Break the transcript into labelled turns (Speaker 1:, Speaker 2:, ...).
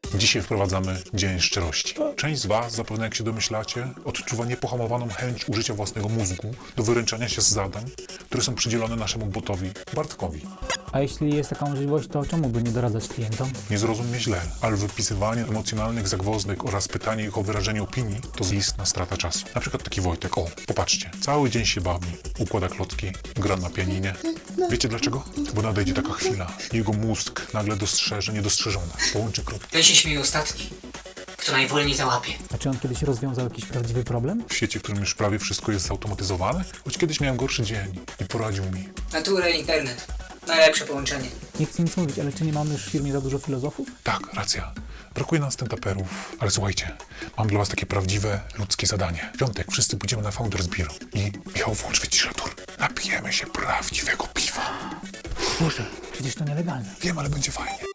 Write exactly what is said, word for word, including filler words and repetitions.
Speaker 1: Dzisiaj wprowadzamy Dzień Szczerości. Część z Was, zapewne jak się domyślacie, odczuwa niepohamowaną chęć użycia własnego mózgu do wyręczania się z zadań, które są przydzielone naszemu botowi Bartkowi.
Speaker 2: A jeśli jest taka możliwość, to czemu by nie doradzać klientom?
Speaker 1: Nie zrozum mnie źle, ale wypisywanie emocjonalnych zagwozdek oraz pytanie ich o wyrażenie opinii to zistna strata czasu. Na przykład taki Wojtek, o, popatrzcie, cały dzień się bawi, układa klocki, gra na pianinie. Wiecie dlaczego? Bo nadejdzie taka chwila i jego mózg nagle dostrzeże niedostrzeżone, połączy kropki.
Speaker 3: Ten się śmieje ostatni, kto najwolniej załapie.
Speaker 2: A czy on kiedyś rozwiązał jakiś prawdziwy problem?
Speaker 1: W świecie, w którym już prawie wszystko jest zautomatyzowane, choć kiedyś miałem gorszy dzień i poradził mi.
Speaker 3: Natura i internet. Najlepsze połączenie.
Speaker 2: Nie chcę nic mówić, ale czy nie mamy już w firmie za dużo filozofów?
Speaker 1: Tak, racja. Brakuje nam stand-uperów, ale słuchajcie, mam dla was takie prawdziwe, ludzkie zadanie. W piątek wszyscy pójdziemy na Founders Bureau i Michał, włącz wyciszator. Napijemy się prawdziwego piwa.
Speaker 2: Boże, przecież to nielegalne.
Speaker 1: Wiem, ale będzie fajnie.